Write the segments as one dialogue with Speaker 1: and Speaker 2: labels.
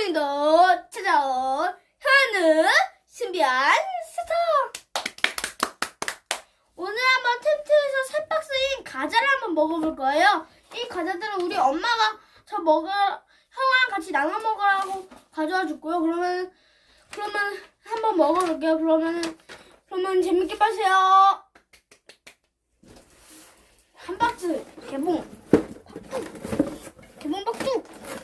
Speaker 1: 오늘도 찾아온 현우 신비한 스타. 오늘 한번 텐트에서 새 박스인 과자를 한번 먹어볼 거예요. 이 과자들은 우리 엄마가 형아랑 같이 나눠 먹으라고 가져와 줬고요. 그러면 한번 먹어볼게요. 그러면 재밌게 빠세요. 한 박스 개봉 박두.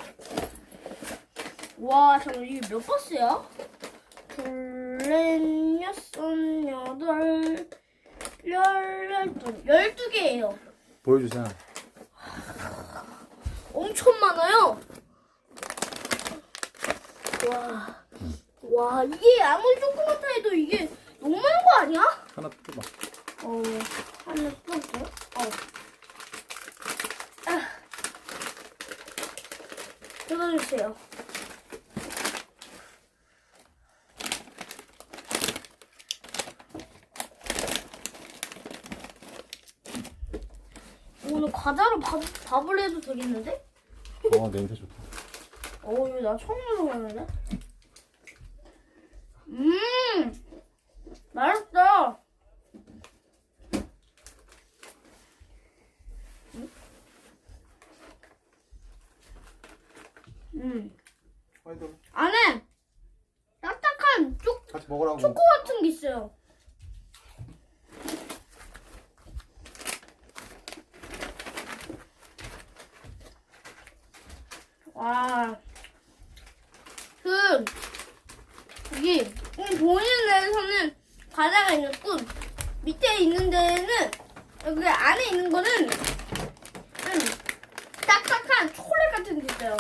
Speaker 1: 와, 잠깐 이게 몇 박스야? 둘, 넷, 여섯, 여덟, 12개예요.
Speaker 2: 보여주세요.
Speaker 1: 엄청 많아요. 와, 이게 아무리 조그맣다 해도 이게 너무 많은 거 아니야?
Speaker 2: 하나 뜯어봐.
Speaker 1: 하나 뜯었어요? 뜯어주세요. 오늘 과자로 밥을 해도 되겠는데?
Speaker 2: 냄새 좋다.
Speaker 1: 이거 나 처음 먹어봤는데? 맛있다. 안에 딱딱한
Speaker 2: 같이 먹으라고.
Speaker 1: 초코 같은 게 있어요. 와, 여기 보이는 데에서는 과자가 있고 밑에 있는 데는 여기 안에 있는 거는 딱딱한 초콜릿 같은 게 있어요.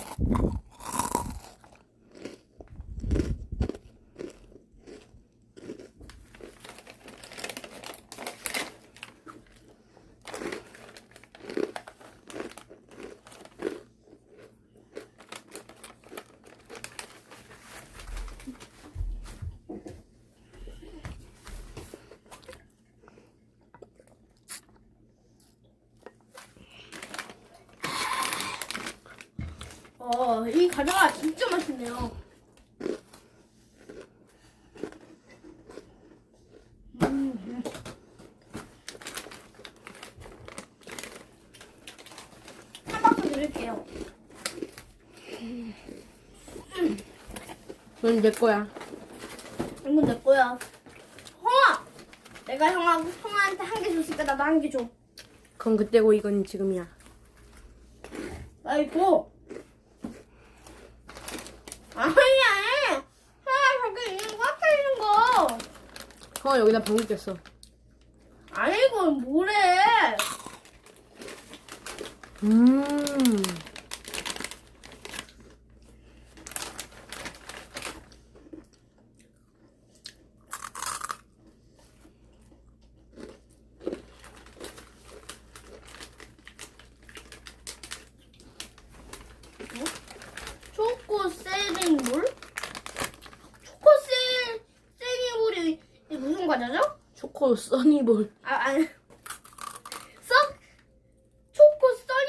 Speaker 1: 이 과자가 진짜 맛있네요. 한 박스 드릴게요.
Speaker 3: 이건 내 거야.
Speaker 1: 이건 내 거야. 형아! 내가 형아한테 한 개 줬으니까 나도 한 개 줘.
Speaker 3: 그건 그때고 이건 지금이야.
Speaker 1: 아이고. 아니야. 형아, 저기 있는 거, 앞에 있는 거.
Speaker 3: 여기다 방귀 꼈어.
Speaker 1: 아이고, 뭐래. 초코 세링볼? 초코 세링볼이 무슨 과자죠?
Speaker 3: 초코 써니볼.
Speaker 1: 아니. 초코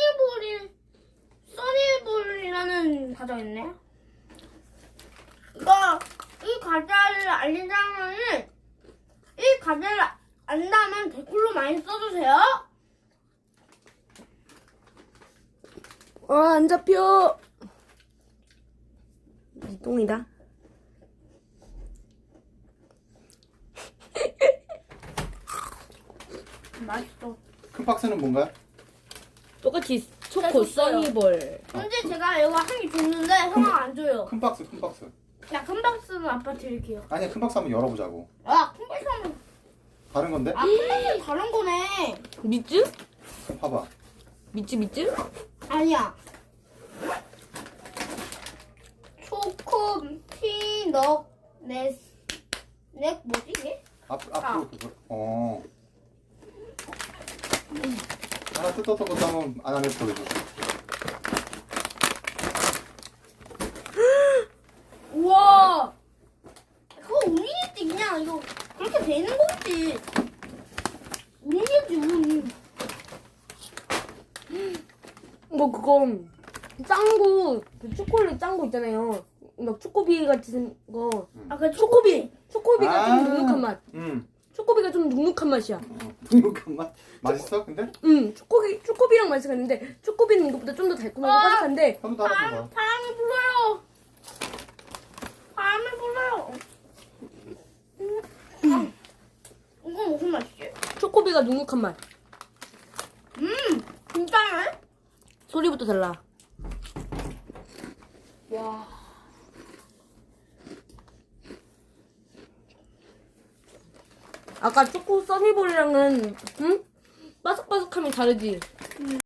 Speaker 1: 써니볼이라는 과자가 있네. 이 과자를 알리자면은, 이 과자를 안다면 댓글로 많이 써주세요.
Speaker 3: 안 잡혀. 이 똥이다.
Speaker 1: 맛있어.
Speaker 2: 큰 박스는 뭔가요?
Speaker 3: 똑같이 초코
Speaker 1: 줬어요.
Speaker 3: 써니볼.
Speaker 1: 근데 제가 이거 한 개 줬는데 형아 안 줘요.
Speaker 2: 큰 박스.
Speaker 1: 야, 큰 박스는 아빠 드릴게요.
Speaker 2: 아니야, 큰 박스 한번 열어보자고.
Speaker 1: 큰 박스는
Speaker 2: 다른 건데?
Speaker 1: 큰 박스는 다른 거네.
Speaker 3: 미츠?
Speaker 2: 봐봐.
Speaker 3: 미츠?
Speaker 1: 아니야. 초코 피넛 넷 뭐지 이게?
Speaker 2: 앞으로 그거. 하나 뜯었던 것도 한번 안에 보여줘.
Speaker 1: 우와. 그거 우니겠지 그냥 이거 그렇게 되는 거지. 우니겠지 우니.
Speaker 3: 뭐 그건 짱구, 그 초콜릿 짱구 있잖아요. 막 초코비 같은 거.
Speaker 1: 아, 그
Speaker 3: 초코비가 좀 눅눅한 맛.
Speaker 2: 응.
Speaker 3: 초코비가 좀 눅눅한 맛이야.
Speaker 2: 눅눅한 맛. 맛있어 근데?
Speaker 3: 초코비랑 맛이 있는데 초코비는 이것보다 좀 더 달콤하고 바삭한데
Speaker 2: 한번 따라줘봐.
Speaker 1: 바람이 불어요. 바람이 불어요. 이거 무슨 맛이지?
Speaker 3: 초코비가 눅눅한 맛.
Speaker 1: 진짜네?
Speaker 3: 소리부터 달라.
Speaker 1: 와.
Speaker 3: 아까 초코 써니볼이랑은 바삭바삭함이 다르지?